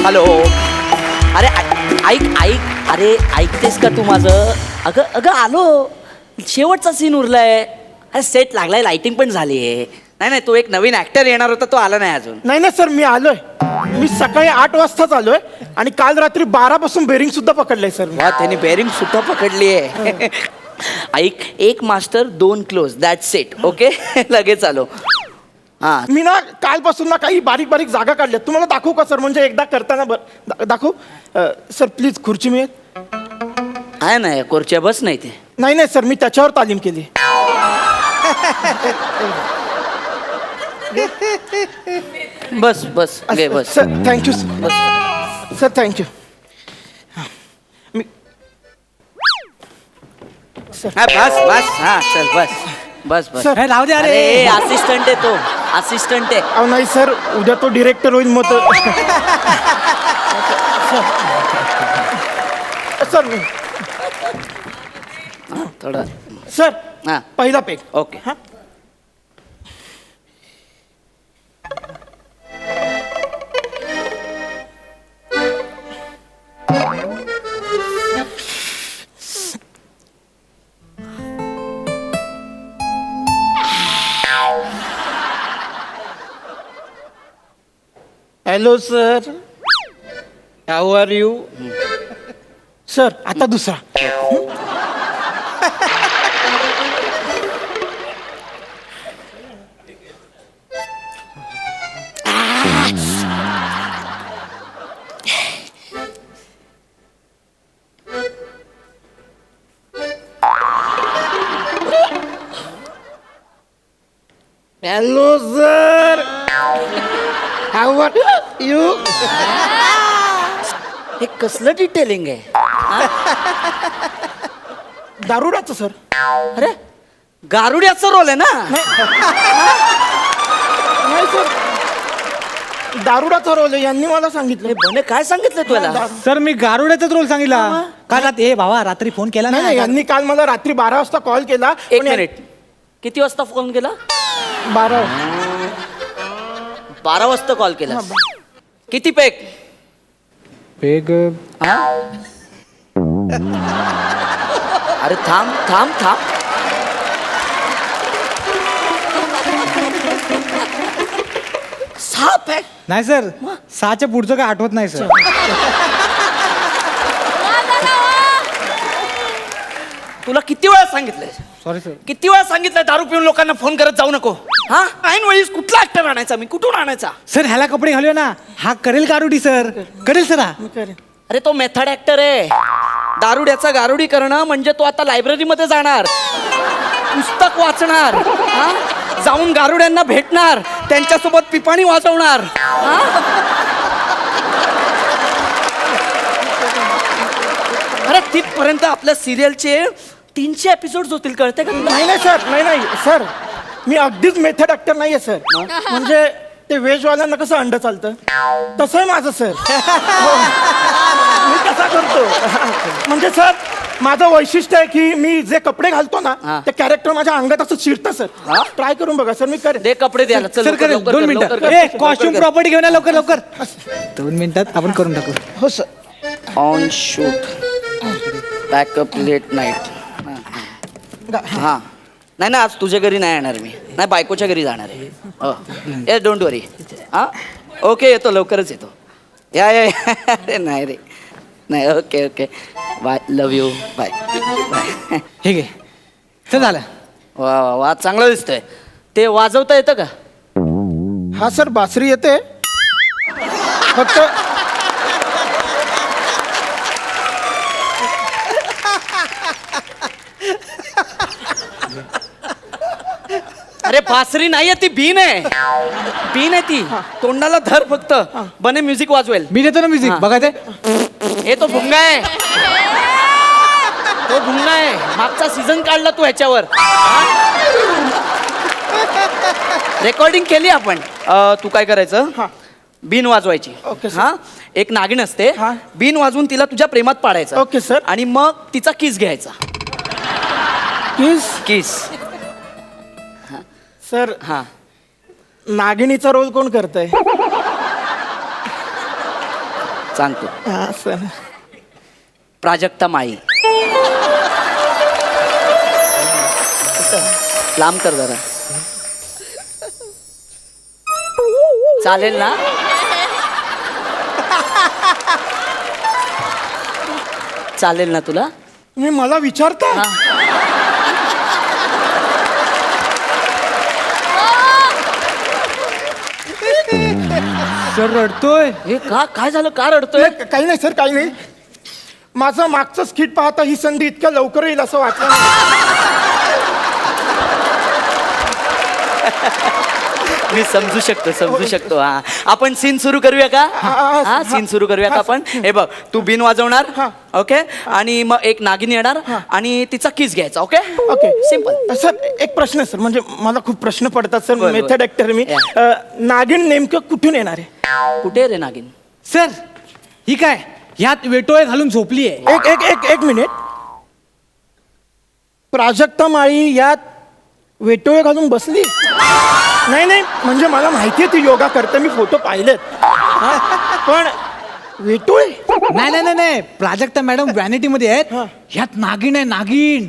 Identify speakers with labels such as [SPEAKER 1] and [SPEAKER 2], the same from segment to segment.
[SPEAKER 1] Hello. अरे ऐक ऐक अरे ऐकतेस का तू माझं? अगं अगं आलो, शेवटचा सीन उरलाय. अरे सेट लागलाय, लाइटिंग पण झाली आहे. नाही तो एक नवीन ऍक्टर येणार होता, तो आला नाही अजून.
[SPEAKER 2] नाही सर, मी आलोय. मी सकाळी 8 वाजताच आलोय आणि काल रात्री 12 पासून बेरिंग सुद्धा पकडलंय सर.
[SPEAKER 1] वा, त्यांनी बेरिंग सुद्धा पकडली आहे. ऐक, एक master 2 close, that's it. Okay. लगेच आलो. हा,
[SPEAKER 2] मी ना कालपासून ना काही बारीक बारीक जागा काढल्यात. तुम्हाला दाखवू का सर? म्हणजे एकदा करताना दाखवू सर? प्लीज खुर्ची मिळेल?
[SPEAKER 1] आहे ना कोरच्या, बस नाही ते.
[SPEAKER 2] नाही सर, मी त्याच्यावर तालीम केली.
[SPEAKER 1] बस बस घे बस.
[SPEAKER 2] Sir thank you sir. Sir thank you.
[SPEAKER 1] हा बस बस. हा चल बस बस बस.
[SPEAKER 2] सर,
[SPEAKER 3] राहू दे.
[SPEAKER 1] अरे असिस्टंट आहे तो, असिस्टंट आहे.
[SPEAKER 2] अहो नाही सर, उद्या तो डिरेक्टर होईल मग सर.
[SPEAKER 1] थोडं.
[SPEAKER 2] सर
[SPEAKER 1] हा
[SPEAKER 2] पहिला पेक.
[SPEAKER 1] ओके.
[SPEAKER 2] हा. Hello sir, how are you? Sir आता दुसरा. Hello sir, how are you?
[SPEAKER 1] हे कसलं डिटेलिंग आहे?
[SPEAKER 2] दारुडाचं सर.
[SPEAKER 1] अरे गारुड्याचा रोल आहे ना?
[SPEAKER 2] नाही सर, दारुडाचा रोल आहे, यांनी मला सांगितलं.
[SPEAKER 1] हे बने काय सांगितलं तुला?
[SPEAKER 3] सर मी गारुड्याचाच रोल सांगितला. काल ए भावा रात्री फोन केला
[SPEAKER 2] नाही
[SPEAKER 3] ना.
[SPEAKER 2] यांनी काल मला रात्री 12 वाजता कॉल केला.
[SPEAKER 1] एक
[SPEAKER 2] पण या-
[SPEAKER 1] मिनिट, किती वाजता फोन केला?
[SPEAKER 2] 12.
[SPEAKER 1] 12 वाजता कॉल केला. किती पेक?
[SPEAKER 3] पेग
[SPEAKER 1] हा? अरे थांब थांब थांब. सहा पॅक?
[SPEAKER 3] नाही सर, 6च्या पुढचं काय आठवत नाही सर.
[SPEAKER 1] तुला किती वेळा सांगितलंय?
[SPEAKER 3] Sorry sir.
[SPEAKER 1] किती वेळा सांगितलंय दारू पिऊन लोकांना फोन करत जाऊ नको? हा, ऐन वेळीस कुठला ऍक्टर आणायचा मी? कुठून आणायचा?
[SPEAKER 3] सर ह्याला कपडे घालूया ना, हा करेल गारुडी सर, करेल सर हा.
[SPEAKER 2] मी करेन.
[SPEAKER 1] अरे तो मेथड ऍक्टर आहे. दारुड्याचा गारुडी करणं म्हणजे तो आता लायब्ररीमध्ये जाणार, पुस्तक वाचणार, हा, जाऊन गारुड्यांना भेटणार, त्यांच्यासोबत पिपाणी वाजवणार. हा? अरे तिथपर्यंत आपल्या सिरियलचे 300 एपिसोड होतील, कळते का तुला?
[SPEAKER 2] नाही सर, नाही सर, मी अगदीच मेथड ऍक्टर नाहीये सर. म्हणजे ते व्हेजवाल्यांना कसं अंड चालतं तसं आहे माझं सर. मी कसा करतो म्हणजे सर, माझं वैशिष्ट्य आहे की मी जे कपडे घालतो ना
[SPEAKER 1] हा.
[SPEAKER 2] ते कॅरेक्टर माझ्या अंगात असं शिरतं सर.
[SPEAKER 1] हा?
[SPEAKER 2] ट्राय करून बघा सर, मी करेन.
[SPEAKER 1] दे कपडे द्यायला. चल
[SPEAKER 3] सर
[SPEAKER 1] लवकर,
[SPEAKER 3] करेल,
[SPEAKER 1] लवकर
[SPEAKER 3] 2
[SPEAKER 1] कर,
[SPEAKER 3] मिनिटात.
[SPEAKER 1] लवकर कर.
[SPEAKER 3] ए कॉस्ट्युम प्रॉपर्टी घेऊन या लवकर लवकर. 2 मिनिटात आपण करून टाकू.
[SPEAKER 2] हो sir.
[SPEAKER 1] On shoot, backup late night. हा, नाही ना, आज तुझ्या घरी नाही येणार मी. नाही, बायकोच्या घरी जाणार आहे. ए डोंट वरी. हा ओके, येतो, लवकरच येतो. या या या. अरे नाही रे, नाही. Okay okay, bye, love you, bye bye.
[SPEAKER 3] हे घे सर, झालं.
[SPEAKER 1] वा वा वा, चांगलं दिसतंय. ते वाजवता येतं का?
[SPEAKER 2] हा सर, बासरी येते फक्त.
[SPEAKER 1] अरे बासरी नाहीये ती, बीन आहे. बीन आहे ती. तोंडाला धर फक्त, बने म्युझिक वाजवेल.
[SPEAKER 3] मी देतो ना म्युझिक,
[SPEAKER 1] हा.
[SPEAKER 3] बघा ते.
[SPEAKER 1] हे तो भुंगा आहे, तो भुंगा आहे. मागचा सीझन काढला तू ह्याच्यावर. रेकॉर्डिंग केली आपण. तू काय करायचं,
[SPEAKER 2] हा.
[SPEAKER 1] बीन वाजवायची.
[SPEAKER 2] Okay sir.
[SPEAKER 1] हा, एक नागिन असते,
[SPEAKER 2] हा.
[SPEAKER 1] बीन वाजवून तिला तुझ्या प्रेमात पाडायचं.
[SPEAKER 2] Okay sir.
[SPEAKER 1] आणि मग तिचा किस घ्यायचा.
[SPEAKER 2] किस.
[SPEAKER 1] किस.
[SPEAKER 2] सर,
[SPEAKER 1] हा,
[SPEAKER 2] नागिनीचा रोल कोण करतंय?
[SPEAKER 1] सांगतो.
[SPEAKER 2] हा सर.
[SPEAKER 1] प्राजक्ता माळी. लांब कर जरा. चालेल ना? चालेल ना तुला?
[SPEAKER 2] तुम्ही मला विचारता?
[SPEAKER 1] हा.
[SPEAKER 3] सर रडतोय.
[SPEAKER 1] हे काय झालं? का रडतोय?
[SPEAKER 2] नाही, काही नाही सर, काही नाही. माझं मागचं स्किट पाहता ही संधी इतक्या लवकर येईल असं वाटलं नाही.
[SPEAKER 1] मी समजू शकतो. हा, आपण सीन सुरू करूया का? हा, सीन सुरू करूया का आपण? हे बघ, तू बिन वाजवणार,
[SPEAKER 2] हा.
[SPEAKER 1] ओके, आणि मग एक नागिन येणार आणि तिचा किस घ्यायचा. Okay
[SPEAKER 2] okay,
[SPEAKER 1] simple.
[SPEAKER 2] सर एक प्रश्न आहे सर, म्हणजे मला खूप प्रश्न पडतात सर.
[SPEAKER 1] बरं,
[SPEAKER 2] मेथड ऍक्टर मी. नागिन नेमकं कुठून येणार आहे?
[SPEAKER 1] कुठे रे नागिन?
[SPEAKER 3] सर ही काय ह्यात वेटोळे घालून झोपली आहे.
[SPEAKER 2] एक एक एक एक मिनिट. प्राजक्ता माळी यात वेटोळे घालून बसली? नाही नाही, म्हणजे मला माहिती आहे ती योगा करते, मी फोटो पाहिलेत. पण वेटोळे?
[SPEAKER 3] नाही नाही नाही नाही, प्राजक्ता मॅडम व्हॅनिटी मध्ये आहेत.
[SPEAKER 2] हा.
[SPEAKER 3] ह्यात नागिन आहे, नागिन.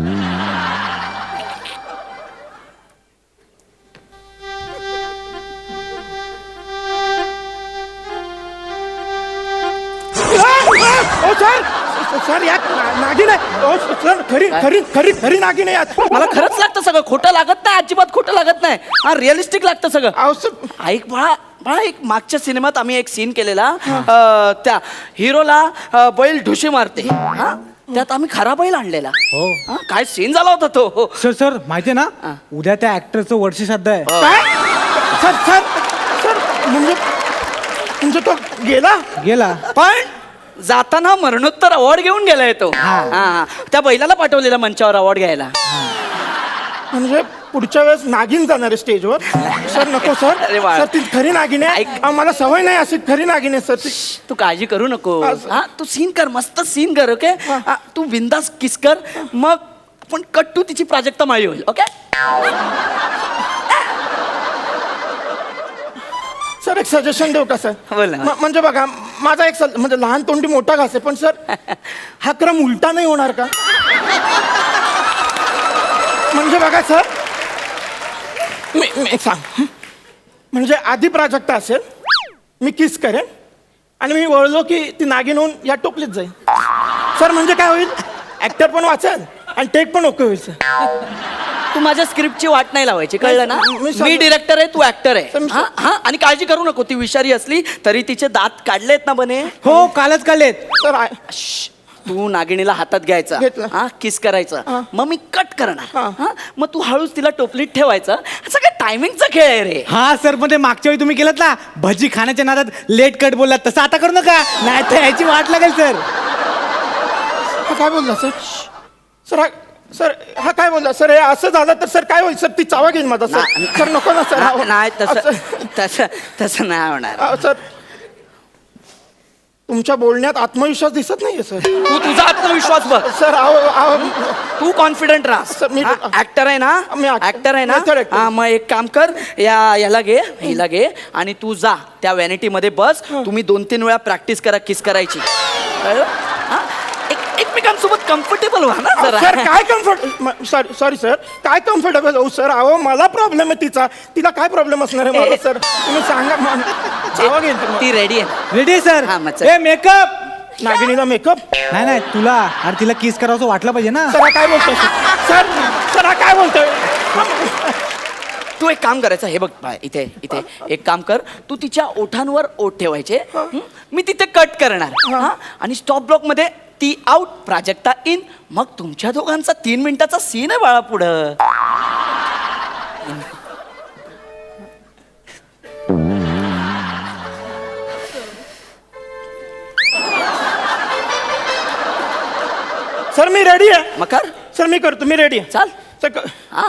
[SPEAKER 2] ओ सर, सर यात नागिन आहे. ओ सर, खरी खरी खरी खरी नागिन आहे यात.
[SPEAKER 1] मला खरंच लागतं सगळं, खोटं लागत नाही, अजिबात खोटं लागत नाही. हा, रिअलिस्टिक लागतं सगळं.
[SPEAKER 2] अहो सर,
[SPEAKER 1] ऐक बाळा, एक मागच्या सिनेमात आम्ही एक सीन केलेला. त्या हिरोला बैल ढुशी मारते. हा, त्यात आम्ही खरा बैल आणलेला.
[SPEAKER 3] हो.
[SPEAKER 1] हा, काय सीन झाला होता तो.
[SPEAKER 3] सर सर माहितीये ना, उद्या त्या ऍक्टरचं वर्षश्राद्ध आहे.
[SPEAKER 2] काय? सर सर सर, म्हणजे तो गेला?
[SPEAKER 1] पण जाताना मरणोत्तर अवॉर्ड घेऊन गेलाय तो.
[SPEAKER 3] हा.
[SPEAKER 1] हा, त्या बैलाला पाठवलेला मंचावर अवॉर्ड घ्यायला.
[SPEAKER 2] म्हणजे पुढच्या वेळेस नागिन जाणार आहे स्टेजवर? सर नको सर.
[SPEAKER 1] अरे वा.
[SPEAKER 2] सर ती खरी नागिन आहे.
[SPEAKER 1] ऐक.
[SPEAKER 2] मला सवय नाही अशी खरी नागिन आहे सर ती.
[SPEAKER 1] तू काळजी करू नको.
[SPEAKER 2] असं.
[SPEAKER 1] हा, तू सीन कर, मस्त सीन कर. ओके, तू बिंदास किस कर, मग आपण कट टू तिची प्राजक्ता माळी होईल. ओके.
[SPEAKER 2] सर एक सजेशन देऊ का सर?
[SPEAKER 1] बोल ना.
[SPEAKER 2] म्हणजे बघा, माझा एक म्हणजे लहान तोंडी मोठा घास आहे, पण सर हा क्रम उलटा नाही होणार का? म्हणजे बघा सर, मी सांग, म्हणजे आधी प्राजक्ता असेल, मी किस करेन आणि मी वळलो की ती नागिन होऊन या टोपलीत जाईल. सर म्हणजे काय होईल, ऍक्टर पण वाचेल आणि टेक पण ओके होईल सर.
[SPEAKER 1] तू माझ्या स्क्रिप्टची वाट नाही लावायची, कळलं ना? मी डिरेक्टर आहे, तू ऍक्टर आहे. हा, हा, आणि काळजी करू नको, ती विषारी असली तरी तिचे दात काढलेत ना बने.
[SPEAKER 3] हो, कालच काढलेत.
[SPEAKER 2] सर
[SPEAKER 1] तू नागिणीला हातात घ्यायचा,
[SPEAKER 2] घेतलं.
[SPEAKER 1] हा, किस करायचं, मग मी कट करणार.
[SPEAKER 2] हा.
[SPEAKER 1] हा, मग तू हळूच तिला टोपलीत ठेवायचं. सगळं टायमिंगचा खेळ आहे रे.
[SPEAKER 3] हा सर, पण ते मागच्या वेळी तुम्ही केलं ना, भजी खाण्याच्या नादात लेट कट बोललात, तसं आता करू नका, नाही तर याची वाट लागेल सर.
[SPEAKER 2] हा काय बोलला सर? सर हा काय बोलला सर? हे असं झालं तर सर काय होईल सर? ती चावा घेईन माझा सर. सर नको ना सर.
[SPEAKER 1] नाही, तसं नाही होणार.
[SPEAKER 2] सर तुमच्या बोलण्यात आत्मविश्वास दिसत नाहीये सर.
[SPEAKER 1] तू तुझा आत्मविश्वास बघ.
[SPEAKER 2] सर
[SPEAKER 1] तू कॉन्फिडंट राहा.
[SPEAKER 2] सर, मी-
[SPEAKER 1] ऍक्टर आहे ना?
[SPEAKER 2] मी
[SPEAKER 1] ऍक्टर आहे ना?
[SPEAKER 2] method actor.
[SPEAKER 1] हा, मग एक काम कर, हिला घे आणि तू जा त्या व्हॅनिटी मध्ये बस. तुम्ही 2-3 वेळा प्रॅक्टिस करा किस करायची. कळलं? हा? एकमेकांसोबत कम्फर्टेबल व्हा ना जरा.
[SPEAKER 2] सर काय कम्फर्ट सॉरी सर, काय कम्फर्टेबल हो सर? अहो मला प्रॉब्लेम आहे तिला काय प्रॉब्लेम असणार आहे मला सर? तुम्ही सांगा. चावा घेईन
[SPEAKER 1] ती रेडी आहे.
[SPEAKER 3] Ready sir.
[SPEAKER 1] हा, मग चल.
[SPEAKER 3] ए मेकअप.
[SPEAKER 2] नागिनीला मेकअप.
[SPEAKER 3] नाही नाही, तुला अरे तिला किस करावं वाटलं पाहिजे ना.
[SPEAKER 2] सर हा काय बोलतोय सर? सर हा काय बोलतोय?
[SPEAKER 1] तू एक काम करायचं, हे बघ इथे एक काम कर, तू तिच्या ओठांवर ओठ ठेवायचे. मी तिथे कट करणार. हा, आणि स्टॉप ब्लॉक मध्ये ती आउट, प्राजक्ता इन. मग तुमच्या दोघांचा 3 मिनिटाचा सीन आहे बाळा पुढं.
[SPEAKER 2] सर मी रेडी आहे.
[SPEAKER 1] मग कर.
[SPEAKER 2] सर मी करतो, मी रेडी आहे.
[SPEAKER 1] चाल.
[SPEAKER 2] सर
[SPEAKER 1] हा,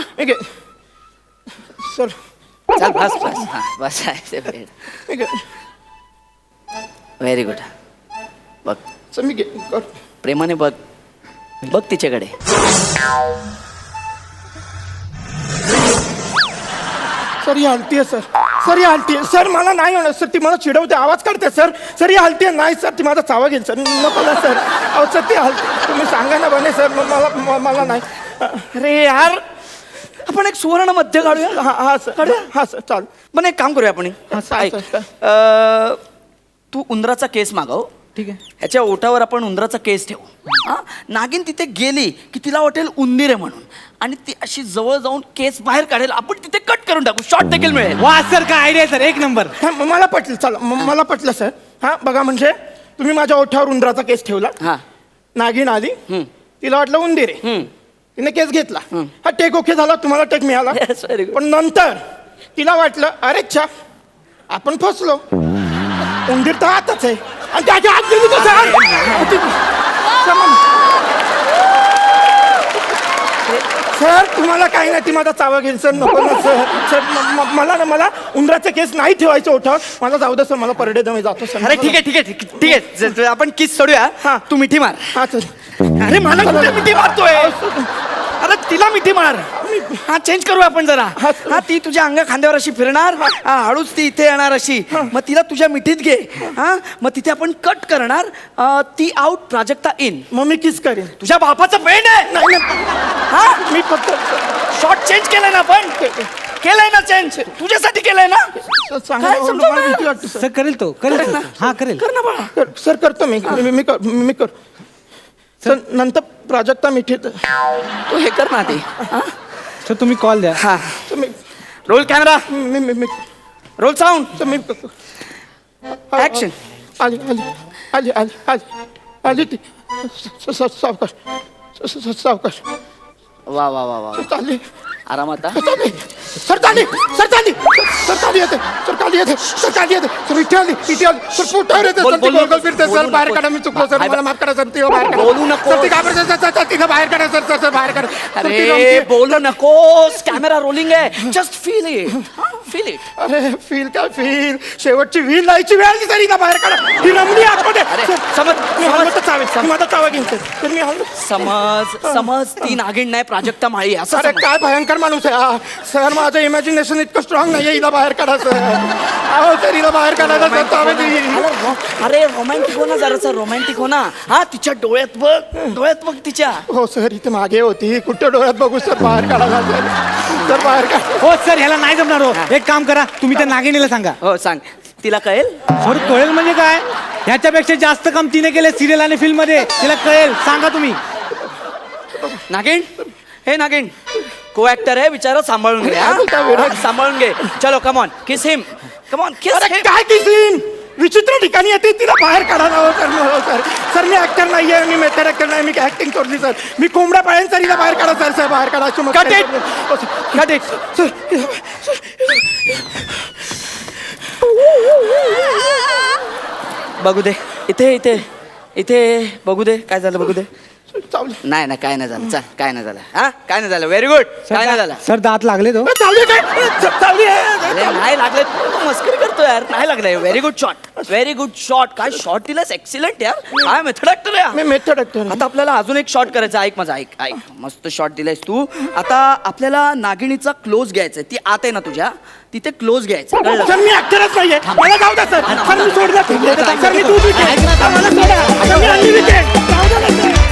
[SPEAKER 2] सर
[SPEAKER 1] चल बस. हा, बस. Very good. बघ
[SPEAKER 2] सर मी
[SPEAKER 1] प्रेमाने बघ तिच्याकडे.
[SPEAKER 2] सर ही हलती आहे सर. सर ही हलतीये सर, मला नाही होणार सर, ती मला चिडवते, आवाज काढते सर. सर ही हलतीये, नाही सर, ती माझा चावा घेईल सर, नको ना सर. अहो सर ती हलते, तुम्ही सांगा ना बने सर, मला नाही.
[SPEAKER 1] अरे यार, आपण एक सुवर्ण मध्य काढूया.
[SPEAKER 2] हा सर, हा सर, चाल.
[SPEAKER 1] पण एक काम करूया आपण.
[SPEAKER 2] ऐक.
[SPEAKER 1] तू उंदराचा केस मागव.
[SPEAKER 3] ठीक आहे.
[SPEAKER 1] ह्याच्या ओठावर आपण उंदराचा केस ठेवू. हा, नागिन तिथे गेली की तिला वाटेल उंदीर आहे म्हणून, आणि ती अशी जवळ जाऊन केस बाहेर काढेल, आपण तिथे कट करून टाकू, शॉर्ट देखील मिळेल.
[SPEAKER 3] वा सर, काय आयडिया सर, एक नंबर.
[SPEAKER 2] मला पटलं, चला मला पटलं सर. हा बघा, म्हणजे तुम्ही माझ्या ओठावर उंदराचा केस ठेवला,
[SPEAKER 1] हा.
[SPEAKER 2] नागिन आली, तिला वाटलं उंदीर आहे, तिने केस घेतला, हा टेक ओके झाला, तुम्हाला टेक मिळाला.
[SPEAKER 1] Yes, very good.
[SPEAKER 2] पण नंतर तिला वाटलं अरे छा, आपण फसलो, उंदीर तर आतच आहे, आणि त्याच्या आत गेली तर सर, तुम्हाला काही नाही, ती माझा चावा घेईल सर, नको ना सर. सर मला उंदराचे केस नाही ठेवायचे ओठावर, मला जाऊ दे सर, मला परडे दमे जातो सर.
[SPEAKER 1] अरे ठीक आहे ठीक आहे ठीक आहे, आपण किस सोडूया.
[SPEAKER 2] हा.
[SPEAKER 1] तू मिठी मार.
[SPEAKER 2] हा सर.
[SPEAKER 1] अरे मला कुठे मिठी मारतोय? अरे तिला मिठी मार. हा, चेंज करूया आपण जरा. हा, ती तुझ्या अंगा खांद्यावर अशी फिरणार, हा, हळूच ती इथे येणार अशी, मग तिला तुझ्या मिठीत घे. हा, मग तिथे आपण कट करणार, ती आउट, प्राजक्ता इन.
[SPEAKER 2] मग मी किस करेन.
[SPEAKER 1] तुझ्या बापाचं पेन आहे.
[SPEAKER 2] नाही
[SPEAKER 1] हा,
[SPEAKER 2] मी फक्त
[SPEAKER 1] शॉर्ट चेंज केलंय ना आपण, केलंय ना चेंज, तुझ्यासाठी केलंय ना.
[SPEAKER 2] सांगा,
[SPEAKER 1] काय समजवणार?
[SPEAKER 2] मला भीती वाटते सर.
[SPEAKER 3] सर करेल तो, करेल सर. हा करेल.
[SPEAKER 1] कर ना बाळा.
[SPEAKER 2] सर करतो मी कर सर. नंतर प्राजक्ता मिठी
[SPEAKER 1] तू हे कर ना ते.
[SPEAKER 3] सर तुम्ही कॉल द्या.
[SPEAKER 1] हा,
[SPEAKER 2] तुम्ही
[SPEAKER 1] रोल कॅमेरा,
[SPEAKER 2] मी
[SPEAKER 1] रोल साऊंड,
[SPEAKER 2] तुम्ही
[SPEAKER 1] ऍक्शन.
[SPEAKER 2] आली आली आली आली आली आली ती सावकाश
[SPEAKER 1] वा वा वा वा,
[SPEAKER 2] चालली
[SPEAKER 1] आरामात.
[SPEAKER 2] सर चालली येते सर, इथे आली सर, पोटावर येते सर, ती गोलगोल फिरते सर, बाहेर काढा, मी चुकलो सर, मला माफ करा सर, तिला बाहेर काढा.
[SPEAKER 1] बोलू नको.
[SPEAKER 2] सर, ती घाबरते सर, तिला बाहेर काढा सर, बाहेर काढा. सर, ती
[SPEAKER 1] अरे
[SPEAKER 2] रमते.
[SPEAKER 1] बोलू नकोस, कॅमेरा रोलिंग आहे, just feel it, feel it.
[SPEAKER 2] अरे फील शेवटची व्हील लायची वेळ आली तरी का बाहेर काढा, ही रमली आतमध्ये.
[SPEAKER 1] अरे, समज
[SPEAKER 2] मी हलवत तर चावेल, मी माझा चावा घेईन सर, मी हलवत.
[SPEAKER 1] समज ती नागिण नाही, प्राजक्ता माळी, असं
[SPEAKER 2] अरे
[SPEAKER 1] समज.
[SPEAKER 2] काय भयंकर माणूस आहे हा. सर, माझं इमॅजिनेशन इतकं स्ट्रॉंग नाहीये, हिला बाहेर काढा सर. अहो सर, हिला बाहेर काढायला सर, चावे देईन.
[SPEAKER 1] अरे रोमॅन्टिक हो ना जरासं, रोमॅन्टिक हो ना. हा, तिच्या डोळ्यात बघ तिच्या.
[SPEAKER 2] हो सर, इथे मागे होती, कुठं डोळ्यात बघू सर, बाहेर काढा सर, बाहेर काढा.
[SPEAKER 3] हो सर, ह्याला नाही जमणार हो. एक काम करा, तुम्ही त्या नागिनीला सांगा.
[SPEAKER 1] हो सांग, तिला कळेल.
[SPEAKER 3] सर कळेल म्हणजे काय, ह्याच्यापेक्षा जास्त काम तिने केले सिरियल आणि फिल्म मध्ये, तिला कळेल, सांगा तुम्ही.
[SPEAKER 1] नागिण, हे नागिण, को ऍक्टर आहे, विचारा, सांभाळून घे. सांभाळून घे. चलो कमॉन, किस हिम, कमॉन किस
[SPEAKER 2] अरे
[SPEAKER 1] हिम.
[SPEAKER 2] काय किसीन, विचित्र ठिकाणी येते, तिला बाहेर काढा ना. हो सर, मी ऍक्टर नाहीये, मी मेथड ऍक्टर नाही, मी ऍक्टिंग सोडली सर, मी कोंबड्या पाळेन सर, हिला बाहेर काढा सर, बाहेर काढा.
[SPEAKER 1] Cut it. बघू दे, इथे बघू दे, काय झालं बघू दे.
[SPEAKER 2] चावली.
[SPEAKER 1] नाही काय नाही झालं, चल, काय नाही झालं. हा, काय नाही झालं, व्हेरी गुड. काय नाही झालं.
[SPEAKER 3] सर दात लागले तो.
[SPEAKER 2] चावली आहे.
[SPEAKER 1] अरे नाही लागले, तू मस्करी करतो यार, नाही लागले. व्हेरी गुड शॉट, काय शॉट दिलास, एक्सिलंट यार, काय मेथड ऍक्टर आहे.
[SPEAKER 2] मी मेथड ऍक्टर.
[SPEAKER 1] आता आपल्याला अजून एक शॉट करायचा. ऐक माझा, ऐक, मस्त शॉट दिलायस तू. आता आपल्याला नागिणीचा क्लोज घ्यायचा, ती आत आहे ना तुझ्या, तिथे क्लोज घ्यायचा, कळलं?
[SPEAKER 2] सर, मी ऍक्टरच नाहीये, मला जाऊ द्या सर, मी सोडलं सर, मी दूध विकेन, मला सोडा, मी अंडी विकेन, जाऊ द्या ना सर.